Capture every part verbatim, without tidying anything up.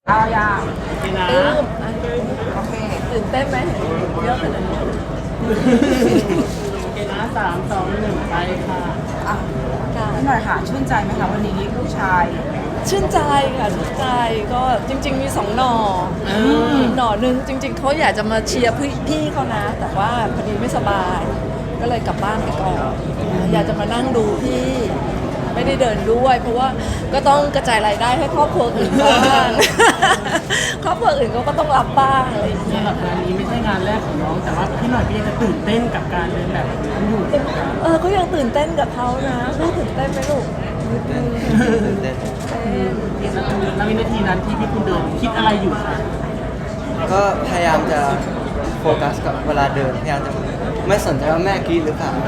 เอายากินนะตื้มอ่ะโอเคตื่นเต้นไหมเยอะขนาดนี้กินนะสามสองหนึ่งไปค่ะอ่ะนิดหน่อยค่ะชื่นใจไหมคะวันนี้ผู้ชายชื่นใจค่ะชื่นใจก็จริงๆมีสองหน่อหน่อหนึงจริงๆเขาอยากจะมาเชียร์พี่พี่เขานะ แต่ว่าพอดีไม่สบาย ก็เลยกลับบ้านไปก่อนอยากจะมานั่งดูพี่ไม่ได้เดินด้วย เพราะว่าก็ต้องกระจายรายได้ให้ครอบครัวอื่นบ้าง ครอบครัวอื่นเขาก็ต้องรับบ้างอะไรอย่างเงี้ยสำหรับงานนี้ไม่ใช่งานแรกของน้องแต่ว่าพี่หน่อยพี่ยังจะตื่นเต้นกับการเดินแบบนั้นอยู่เออก็ยังตื่นเต้นกับเขานะลูกตื่นเต้นไหมลูกตื่นเต้นแล้ววินาทีนั้นที่พี่คุณเดินคิดอะไรอยู่คะก็พยายามจะโฟกัสกับเวลาเดินพยายามจะไม่สนใจว่าแม่กรีดหรือเปล่า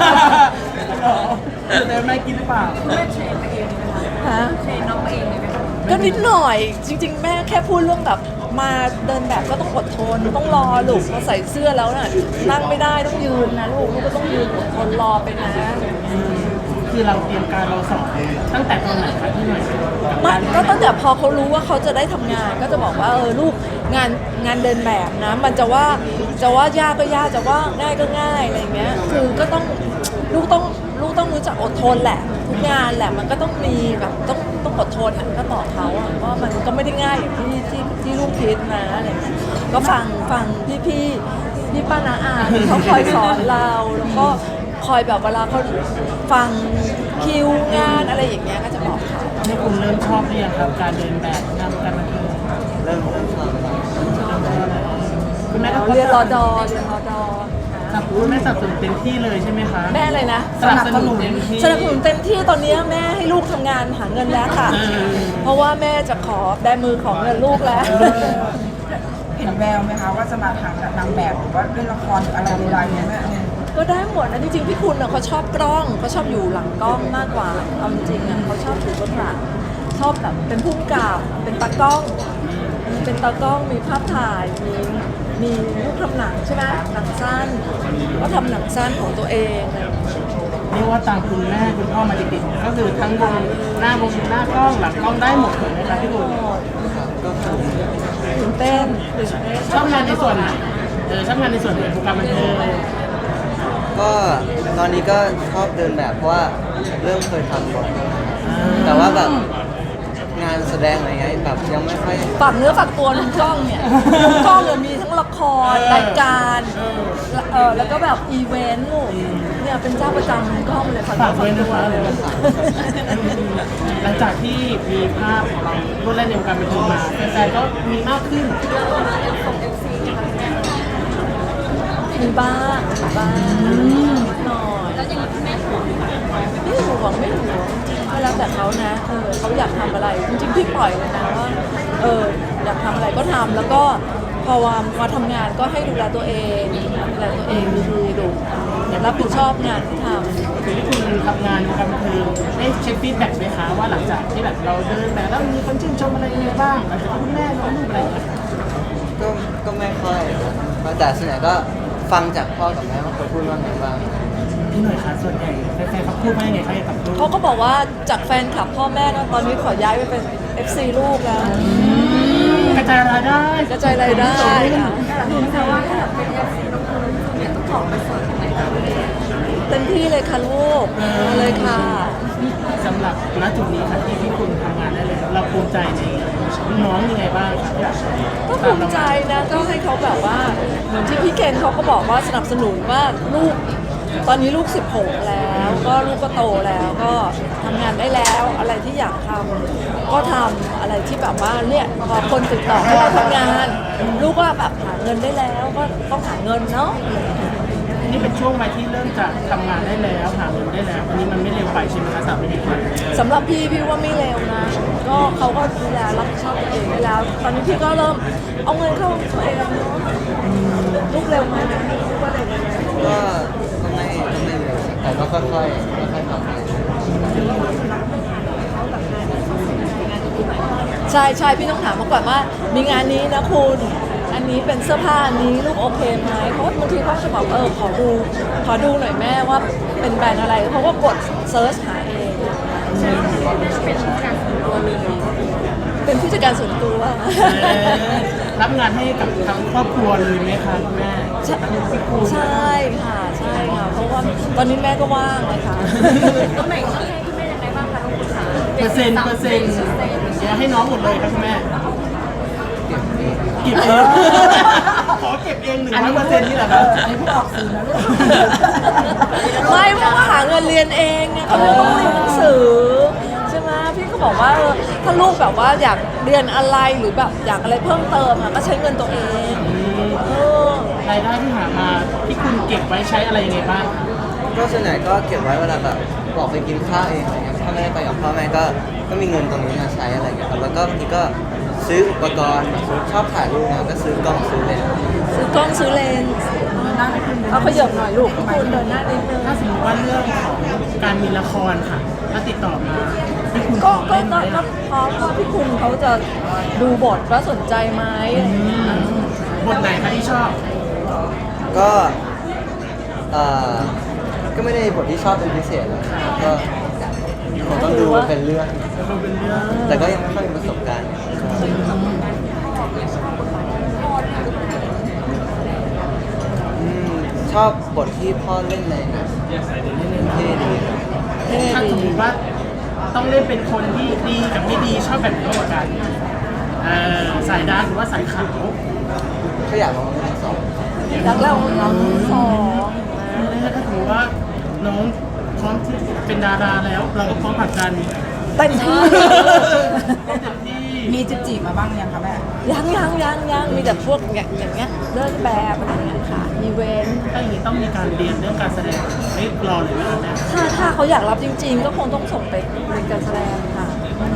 เดินไม่กินหรือเปล่าฮะเทรนน้องเองเลยไหมคะก็นิดหน่อยจริงๆแม่แค่พูดเรื่องแบบมาเดินแบบก็ต้องอดทนต้องรอลูกพอใส่เสื้อแล้วน่ะนั่งไม่ได้ต้องยืนนะลูกลูกก็ต้องยืนอดทนรอไปนะคือเราเตรียมการเราสอนตั้งแต่ตอนไหนคะพี่หน่อยไม่ก็ตั้งแต่พอเขารู้ว่าเขาจะได้ทำงาน ก็จะบอกว่าเออลูกงานงานเดินแบบนะ มันจะว่าจะว่ายากก็ยากจะว่าง่ายก็ง่ายอะไรอย่างเงี้ยคือก็ต้องลูกต้องลูกต้องรู้จักอดทนแหละทุกงานแหละมันก็ต้องมีแบบต้องต้องอดทนอ่ะก็บอกเขาอ่ะว่ามันก็ไม่ได้ง่ายอย่างที่ที่ที่ลูกคิดนะอะไรอย่างเงี้ยก็ฟังฟังพี่พี่พี่ป้านาอาที่เขาคอยสอนเราแล้วก็คอยแบบเวลาเขาฟังคิวงานอะไรอย่างเงี้ยก็จะบอกเขานี่คุณเริ่มชอบหรือยังครับการเดินแบบงานการบันเทิงเริ่มเริ่มชอบแล้วคุณแม่ก็เรียนรอดอเรียนรอดอสนับสนุนแม่สนับสนุนเต็มที่เลยใช่ไหมคะแม่อะไรนะสนับสนุนเต็มที่สนับสนุนเต็มที่ตอนนี้แม่ให้ลูกทำงานหาเงินแล้วค่ะ เพราะว่าแม่จะขอได้มือของเงินลูกแล้วเห็นแววไหมคะว่าจะมาทางนางแบบหรือว่าเล่นละครหรืออะไรใดๆเนี่ยแม่ก็ได้หมดนะจริงๆพี่คุณน่ะเขาชอบกล้องเขาชอบอยู่หลังกล้องมากกว่าเอาจริงๆอ่ะเขาชอบอยู่เบื้องหลังชอบแบบเป็นผู้กำกับเป็นตากล้อง เป็นตากล้องมีภาพถ่ายมีมีลูกทำหนังใช่ไหมหนังสั้นก็ทำหนังสั้นของตัวเองอะไรอย่างเงี้ยเรียกว่าตามคุณแม่คุณพ่อมาติดๆก็คือทั้งวงหน้าวงหน้ากล้องหลังกล้องได้หมดเลยนะคะพี่คุณครับก็สนุกตื่นเต้นตื่นเต้นชอบงานในส่วนไหนเออชอบงานในส่วนไหนของการบันเทิงก็ตอนนี้ก็ชอบเดินแบบเพราะว่าเริ่มเคยทำบ่อยแต่ว่าแบบงานแสดงอะไรเงี้ยแบบยังไม่ค่อยฝากเนื้อฝากตัวลุงกล้องเนี่ยลุงกล้องเนี่ยมีทั้งละครรายการเออแล้วก็แบบอีเวนต์ลูกเนี่ยเป็นเจ้าประจำลุงกล้องเลยฝากฝากเนื้อด้วฝาย กนะตัวคะเลยหลังจากที่มีภาพของเราร่วมเล่นในวงการบันเทิงมาแฟนๆก็มีมากขึ้นมีบ้างมีบ้างหน่อยแล้วยังแม่ห่วงไม่ห่วงไม่ห่วงก็แล้วแต่เขานะเออเขาอยากทำอะไรจริงๆพี่ปล่อยเลยนะว่าเอออยากทำอะไรก็ทำแล้วก็พอว่ามาทำงานก็ให้ดูแลตัวเองดูแลตัวเองดีๆดูรับผิดชอบงานที่ทำคือที่คุณทำงานวงการบันเทิงได้เช็คฟีดแบ็กไหมคะว่าหลังจากที่แบบเราเดินแบบแล้วมีคนชื่นชมอะไรยังไงบ้างหลังจากที่คุณแม่ลงรูปอะไรอย่างเงี้ยก็ก็ไม่ค่อยครับแต่ส่วนใหญ่ก็ฟังจากพ่อกับแม่ว่าเขาพูดว่าไงบ้างพี่หน่อยคะส่วนใหญ่แฟนๆเขาพูดว่ายังไงคะเกี่ยวกับลูกเขาก็บอกว่าจากแฟนคลับพ่อแม่นะตอนนี้ขอย้ายไปเป็น เอฟ ซี ลูกแล้วกระจายรายได้กระจายรายได้ค่ะเต็มที่เลยค่ะลูกมาเลยค่ะสำหรับณจุดนี้ค่ะที่พี่คุณทำงานได้เลยเราภูมิใจในน้องยังไงบ้างคะก็ภูมิใจนะก็ให้เขาแบบว่าเหมือนที่พี่เคนเขาก็บอกว่าสนับสนุนว่าลูกตอนนี้ลูกสิบหกแล้วก็ลูกก็โตแล้วก็ทำงานได้แล้วอะไรที่อยากทำก็ทำอะไรที่แบบว่าเนี่ยพอคนติดต่อให้เราทำงาน ลูกก็แบบหาเงินได้แล้วก็ต้องหาเงินเนาะนี่เป็นช่วงวัยที่เริ่มจะทำงานได้แล้วหาเงินได้แล้วอันนี้มันไม่เร็วไปใช่ไหมคะสำหรับพี่คุณสำหรับพี่พี่ว่าไม่เร็วนะ ก็เขาก็ดูแลรับผิดชอบตัวเองได้แล้ว ตอนนี้พี่ก็เริ่มเอาเงินเข้าตัวเองแล้วเนาะลูกเร็วไหมลูกว่าเร็วไหมก็ก็ไม่ก็ไม่เร็วแต่ก็ค่อยๆค่อยๆทำไปใช่ใช่พี่ต้องถามมาก่อนว่ามีงานนี้นะคุณอันนี้เป็นเสื้อผ้าอันนี้ลูกโอเคไหมเพราะบางทีเขาจะบอกเออขอดูขอดูหน่อยแม่ว่าเป็นแบรนด์อะไรเขาก็กดเซิร์ชหาเองเป็นผู้จัดจัดการส่วนตัวเออรับงานให้กับทั้งครอบครัวเลยไหมคะคุณแม่ใช่ใช่ค่ะใช่ค่ะเพราะว่าตอนนี้แม่ก็ว่างเลยค่ะตำแหน่งต้องให้คุณแม่ยังไงบ้างคะน้องคุณขาเปอร์เซ็นต์เปอร์เซ็นต์เดี๋ยวให้น้องหมดเลยครับคุณแม่เก็บเองเก็บเองขอเก็บเองหนึ่งร้อยเปอร์เซ็นต์นี่แหละครับอันนี้พูดออกสื่อนะลูกไม่เพราะว่าหาเงินเรียนเองไงเขาไม่ต้องเรียนหนังสือใช่ไหมพี่ก็บอกว่าเออถ้าลูกแบบว่าอยากเรียนอะไรหรือแบบอยากอะไรเพิ่มเติมอ่ะก็ใช้เงินตัวเองเออรายได้ที่หามาที่คุณเก็บไว้ใช้อะไรยังไงบ้างคะก็ส่วนใหญ่ก็เก็บไว้เวลาแบบออกไปกินข้าวเองอะไรเงี้ยถ้าไม่ได้ไปกับพ่อแม่ก็ก็มีเงินตรงนี้มาใช้อะไรเงี้ยครับแล้วก็บางทีก็ซื้ออุปกรณ์แบบชอบถ่ายรูปนะก็ซื้อกล้องซื้อเลนส์ซื้อกล้องซื้อเลนส์นั่งให้คุณเอาขยับหน่อยลูกคุณเดินหน้านิดนึงถ้าสมมติว่าเรื่องของการมีละครค่ะถ้าติดต่อมาที่คุณก็ขอก็เล่นไหมก็ก็อะพร้อมว่าพี่คุณเขาจะดูบทว่าสนใจไหมอะไรอย่างเงี้ยบทไหนคะที่ชอบก็เอ่อก็ไม่ได้บทที่ชอบเป็นพิเศษนะครับก็ผมต้องดูเป็นเรื่องมันเป็นเรื่องแต่ก็ยังไม่ค่อยมีประสบการณ์อืมชอบบทที่พ่อเล่นในหนังเท่ดีครับเท่ถ้าสมมดีติว่าต้องเล่นเป็นคนที่ดีกับไม่ดีชอบแบบไหนมากกว่ากันเอ่อสายดาร์กหรือว่าสายขาวก็อยากลองเล่นทั้งสองรักเราเราสองถ้าสมมติว่าน้องพร้อมที่เป็นดาราแล้ว เราก็พร้อมผลักดันเต็มที่เต็มที่มีจีบจีบมาบ้างยังคะแม่ยังยังยังยังมีแต่พวกอย่างอย่างเงี้ยเดินแบบอะไรเงี้ยค่ะอีเวนต์ถ้าอย่างนี้ต้องมีการเรียนเรื่องการแสดงไม่รอเลยไหมครับแม่ถ้าถ้าเขาอยากรับจริง ๆ ก็คงต้องส่งไปเรียนการแสดงค่ะ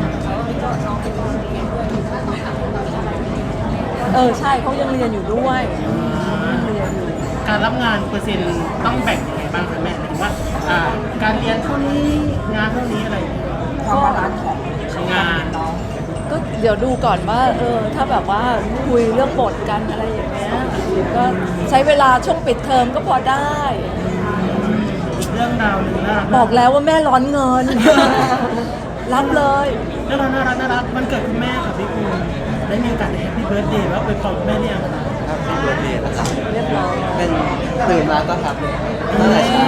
เออใช่เขายังเรียนอยู่ด้วยยังเรียนอยู่การรับงานเปอร์เซ็นต์ต้องแบ่งยังไงบ้างคะแม่หมายถึงว่าอ่าการเรียนเท่านี้งานเท่านี้อะไรอย่างเงี้ยความบาลานซ์ของงานน้องก็เดี๋ยวดูก่อนว่าเออถ้าแบบว่าคุยเรื่องบทกันอะไรอย่างเงี้ยก็ใช้เวลาช่วงปิดเทอมก็พอได้อีกเรื่องราวหนึ่งนะบอกแล้วว่าแม่ร้อนเงิน รับเลยเรื่องราวน่ารักน่ารักมันเกิดคุณแม่กับพี่คุณได้มีโอกาสแฮปปี้เบิร์ดเดย์ว่าไปขอบคุณแม่เนี่ยงคะครับเป็นเบิร์ดเดย์แล้วครับเรียบร้อยเป็นตื่นมาก็ครับตั้งแต่เช้า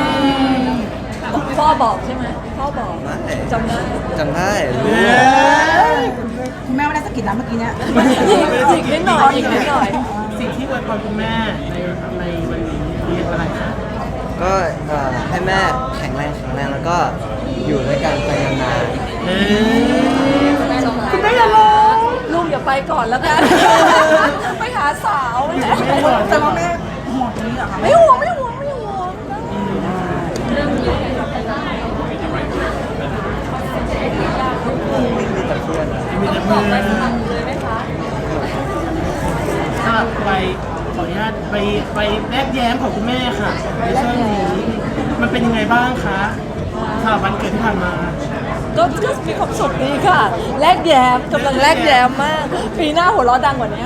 พ่อบอกใช่ไหมพ่อบอกไม่จำได้จำได้รู้คุณแม่ไม่ได้สะกิดนะเมื่อกี้เนี้ยอีกนิดหน่อยอีกนิดหน่อยสิ่งที่อวยพรคุณแม่ในในวันนี้คืออะไรคะก็เอ่อให้แม่แข็งแรงแข็งแรงแล้วก็อยู่ด้วยกันไปนานเออคุณแม่อย่าร้องลูกอย่าไปก่อนแล้วกัน ไปหาสาวไม่ได้แต่ว่าแม่ห่วงตรงนี้เหรอคะไม่ห่วงไม่ห่วงไม่ห่วงๆมีแต่เพื่อนมีแต่เพื่อนเลยไหมคะสำหรับไปขออนุญาตไปไปแลกแย้มของคุณแม่ค่ะในช่วงนี้มันเป็นยังไงบ้างคะสำหรับวันเกิดที่ผ่านมาก็ก็มีความสุขดีค่ะ แลกแย้มกำลังแลกแย้มมาก ปีหน้าหัวเราะดังกว่านี้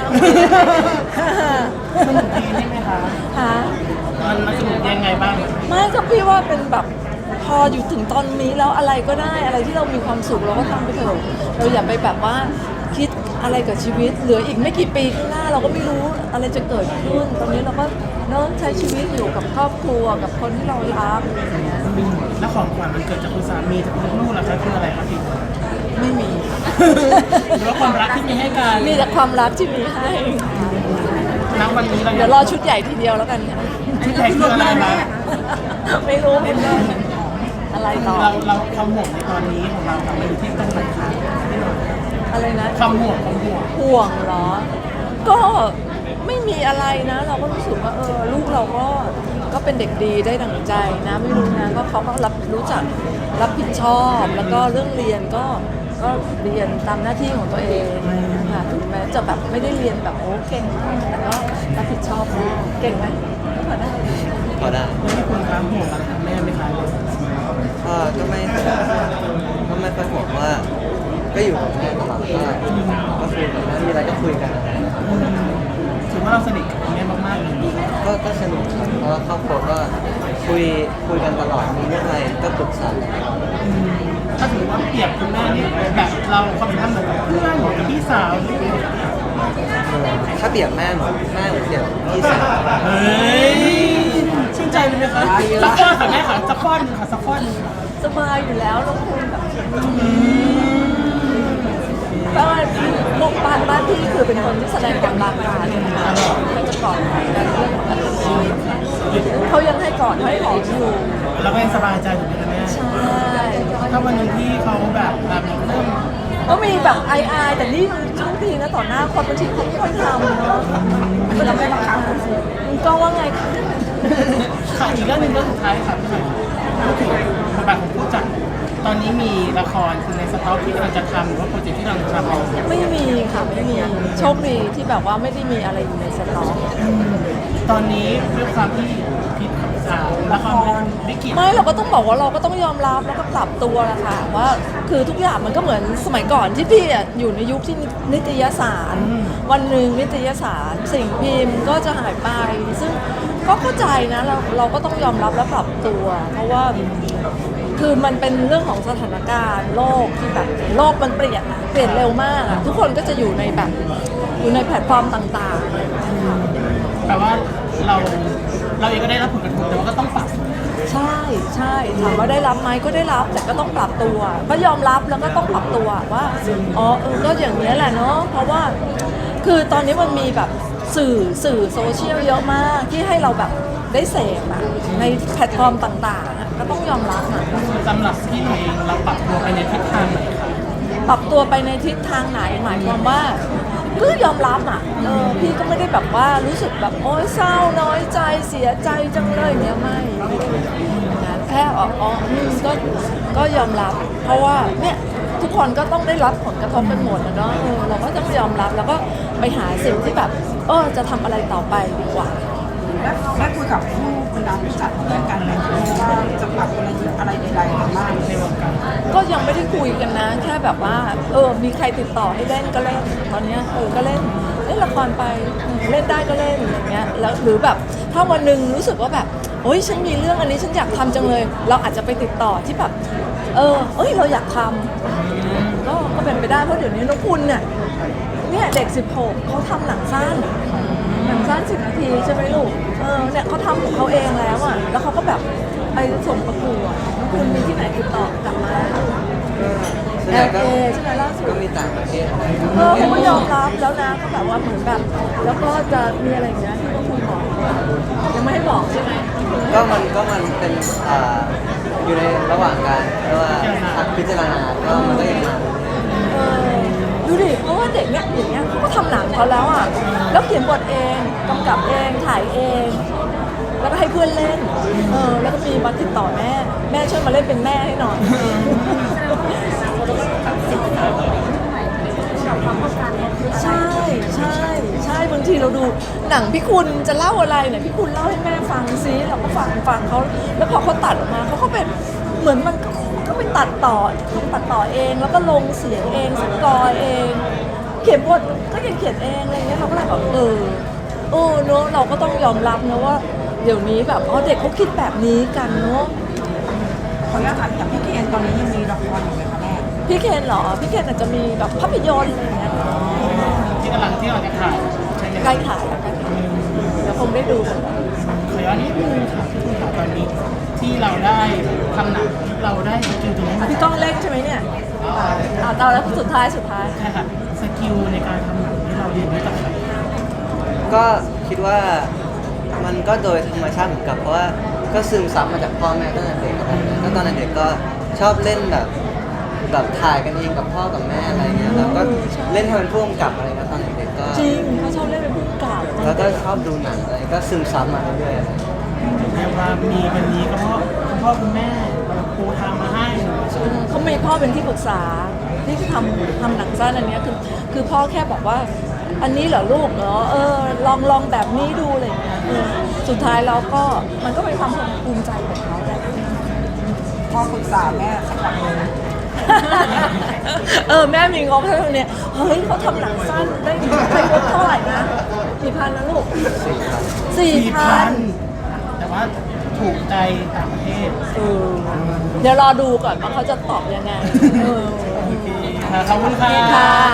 สนุกดีใช่ไหมคะฮะมันมันสนุกยังไงบ้างไม่ก็พี่ว่าเป็นแบบพออยู่ถึงตอนนี้แล้วอะไรก็ได้อะไรที่เรามีความสุขเราก็ทำไปเถอะเราอย่าไปแบบว่าคิดอะไรกับชีวิตเหลืออีกไม่กี่ปีข้างหน้าเราก็ไม่รู้อะไรจะเกิดขึ้น ตอนนี้เราก็เริ่มใช้ชีวิตอยู่กับครอบครัวกับคนที่เรารักอะไรอย่างเงี้ยแล้วของขวัญมันเกิดจากคุณสามีจากคุณลูกล่ะคะคืออะไรครับพี่ไม่มีหรือว่าความรักที่มีให้กันมีแต่ความรักที่มีให้ณวันนี้เราเดี๋ยวรอชุดใหญ่ทีเดียวแล้วกันค่ะชุดใหญ่คืออะไรคะไม่รู้ไม่รู้อะไรต่อเราเราความห่วงในตอนนี้ของเราค่ะมันอยู่ที่ตรงไหนคะพี่หน่อยอะไรนะความห่วงความห่วงห่วงเหรอ ก็ไม่มีอะไรนะ เราก็รู้สึกว่าเออลูกเราก็ก็เป็นเด็กดีได้ดั่งใจนะไม่รู้นะก็เขาก็รับรู้จักรับผิดชอบ แล้วก็เรื่องเรียนก็ก็เรียนตามหน้าที่ของตัวเองค่ะถึงแม้จะแบบไม่ได้เรียนแบบโอ้เก่งมากแต่ก็รับผิดชอบมากเก่งไหมก็พอได้พอได้แล้วมีคุณครับห่วงอะไรกับแม่ไหมคะก็ก็ไม่ก็ไม่ค่อยห่วงว่า ก็อยู่กับแม่ตลอดก็ก็คุยกันนะมีอะไรก็คุยกันอะไรนะครับถือว่าเราสนิทกับคุณแม่มากๆเลยก็ก็สนุกครับเพราะว่าครอบครัวก็คุยคุยกันตลอดมีเรื่องอะไรก็ปรึกษากันอืมถ้าถือว่าเปรียบคุณแม่นี่แบบเราความสัมพันธ์เหมือนกับเพื่อนเหมือนกับพี่สาวหรือถ้าเปรียบแม่เหมือนแม่เหมือนเปรียบพี่สาวเฮ้ยชื่นใจเลยไหมคะสักข้อค่ะแม่ค่ะสักข้อหนึงค่ะสักข้อหนึงค่ะสบายอยู่แล้วน้องคุณแบบบ้านลูกบ้านบ้านพี่คือเป็นคนที่แสดงความรักกันนะคะก็จะกอดกันเรื่องปกติเขายังให้กอดให้หอมอยู่เราก็ยังสบายใจอยู่ไหมคะแม่ใช่ถ้าวันหนึงที่เขาแบบแบบเริ่มก็มีแบบไอไอแต่นี่ช่วงทีนะต่อหน้าคนบางทีเขาไม่ค่อยทำเนาะก็จะไม่บังคับก็ว่าไงคะค่ะอีกเรื่องหนึงเรื่องสุดท้ายค่ะพี่หน่อยพูดถึงบทบาทของผู้จัดตอนนี้มีละครคือในสต็อกที่กำลังจะทำหรือว่าโปรเจกต์ที่กำลังจะทำเอาไม่มีค่ะไม่มีโชคดีที่แบบว่าไม่ได้มีอะไรอยู่ในสต็อกตอนนี้ด้วยความที่พิษอ่าละครวิกฤตไม่เราก็ต้องบอกว่าเราก็ต้องยอมรับแล้วก็ปรับตัวแหละค่ะว่าคือทุกอย่างมันก็เหมือนสมัยก่อนที่พี่อะอยู่ในยุคที่นิตยสาร วันหนึ่งนิตยสารสิ่งพิมพ์ก็จะหายไป ซึ่งก็เข้าใจนะเราเราก็ต้องยอมรับและปรับตัว เพราะว่าคือมันเป็นเรื่องของสถานการณ์โลกที่แบบโลกมันเปลี่ยนอะเปลี่ยนเร็วมากอะทุกคนก็จะอยู่ในแบบอยู่ในแพลตฟอร์มต่างๆแปลว่าเราเราเองก็ได้รับผลกระทบแต่ว่าก็ต้องปรับใช่ใช่ถามว่าได้รับไหมก็ได้รับแต่ก็ต้องปรับตัว ก็ยอมรับแล้วก็ต้องปรับตัวว่าอ๋อเออก็อย่างนี้ยแหละเนาะเพราะว่าคือตอนนี้มันมีแบบสื่อสื่อโซเชียลเยอะมากที่ให้เราแบบได้เสพอะในแพลตฟอร์มต่างๆอะก็ต้องยอมรับอะสำหรับพี่หน่อยเองเราปรับตัวไปในทิศทางไหนคะปรับตัวไปในทิศทางไหนหมายความว่าก็ยอมรับอ่ะเออพี่ก็ไม่ได้แบบว่ารู้สึกแบบโอ๊ยเศร้าน้อยใจเสียใจจังเลยเนี่ยไม่ไม่ได้อย่างนั้นแค่อ๋ออ๋ออืมก็ก็ยอมรับ เพราะว่าเนี่ยทุกคนก็ต้องได้รับผลกระทบกันหมดนะเนาะเออเราก็ต้องยอมรับแล้วก็ไปหาสิ่งที่แบบเออจะทำอะไรต่อไปดีกว่าและได้คุยกับผู้บรรดาผู้จัดเรื่องกันไหมว่าจะปรับกลยุทธ์อะไรใดๆกันบ้างในวงการก็ยังไม่ได้คุยกันนะ แค่แบบว่า เออ มีใครติดต่อให้เล่นก็เล่นตอนเนี้ยเออก็เล่นเล่นละครไปเออเล่นได้ก็เล่นอย่างเงี้ยแล้วหรือแบบถ้าวันหนึ่งรู้สึกว่าแบบโอ๊ยฉันมีเรื่องอันนี้ฉันอยากทำจังเลย เราอาจจะไปติดต่อที่แบบ เออเอ้ยเราอยากทำก็ก็เป็นไปได้เพราะเดี๋ยวนี้น้องคุณเนี่ยเนี่ยเด็กสิบหกเขาทำหนังสั้นหนังสั้นสิบนาทีใช่ไหมลูกเออเนี่ยเขาทำของเขาเองแล้วอ่ะแล้วเขาก็แบบไปส่งประกวดน้องคุณมีที่ไหนติดต่อกลับมาส่วนใหญ่ก็เอล เอ ใช่ไหมล่าสุดก็มีต่างประเทศอะไรเออเขาก็ยอมรับแล้วนะก็แบบว่าเหมือนแบบแล้วก็จะมีอะไรอย่างเงี้ยที่ต้องคุยบอกยังไม่ให้บอกใช่ไหมก็มันก็มันเป็นอ่าอยู่ในระหว่างการเรียกว่าพิจารณาก็มันก็ยังมาเออดูดิเพราะว่าเด็กเนี่ยอย่างเงี้ยเขาก็ทำหนังเขาแล้วอ่ะแล้วเขียนบทเองกำกับเองถ่ายเอง แล้วก็ให้เพื่อนเล่นเออแล้วก็มีมาติดต่อแม่แม่ช่วยมาเล่นเป็นแม่ให้หน่อย ใช่ใช่ใช่บางทีเราดูหนังพี่คุณจะเล่าอะไรเนี่ยพี่คุณเล่าให้แม่ฟังซิเราก็ฟังฟังเขาแล้วพอเขาตัดออกมาเขาก็เป็นเหมือนมันก็ก็ไปตัดต่อตัดต่อเองแล้วก็ลงเสียงเองสกอร์เอง เขียนบทก็ยังเขียนเองอะไรเงี้ยเราก็เลยแบบเออเออเนอะเราก็ต้องยอมรับนะว่าเดี๋ยวนี้แบบอ๋อเด็กเขาคิดแบบนี้กันเนอะขออนุญาตถามอย่างพี่เคนตอนนี้ยังมีละครอยู่ไหมคะแม่พี่เคนเหรอพี่เคนอาจจะมีแบบภาพยนตร์อะไรเงี้ยที่กำลังที่เราจะถ่ายใช่ไหมใกล้ถ่ายแล้วใกล้ถ่ายเดี๋ยวคงได้ดูกันขอย้อนนิดนึงค่ะพี่คุณค่ะตอนนี้ที่เราได้ทำหนังเราได้สกิลตรงนี้มาพี่ก้องเล่นใช่ไหมเนี่ยอ่าตอนแล้วสุดท้ายสุดท้ายใช่ค่ะสกิลในการทำหนังที่เราเรียนรู้จากใครก็คิดว่ามันก็โดยธรรมชาติเหมือนกับเพราะว่าก็ซึมซับมาจากพ่อแม่ตั้งแต่เด็กอะไรเงี้ยก็ตอนเด็กก็ชอบเล่นแบบแบบถ่ายกันเองกับพ่อกับแม่อะไรเงี้ยแล้วก็เล่นให้เป็นผู้กำกับอะไรเงี้ยตอนเด็กๆก็จริงเขาชอบเล่นเป็นผู้กำกับแล้วก็ชอบดูหนังอะไรก็ซึมซับมาเรื่อยๆอะไรเรียกว่ามีวันนี้ก็เพราะคุณพ่อคุณแม่เราปูทางมาให้เออเขามีพ่อเป็นที่ปรึกษาที่ทำทำหนังสั้นอันเนี้ยคือคือพ่อแค่บอกว่า อันนี้เหรอลูกเหรอเออลองลองแบบนี้ดูอะไรอย่างเงี้ยเออสุดท้ายเราก็มันก็เป็นความภูมิใจของเขาแหละพ่อปรึกษาแม่สักวันหนึ่งเออแม่มีงบเท่านี้เฮ้ยเขาทำหนังสั้นได้ได้งบเท่าไหร่นะกี่พันนะลูกสี่พันแต่ว่าถูกใจต่างประเทศเออเดี๋ยวรอดูก่อนว่าเขาจะตอบยังไงเออโอเคค่ะขอบคุณค่ะค่ะ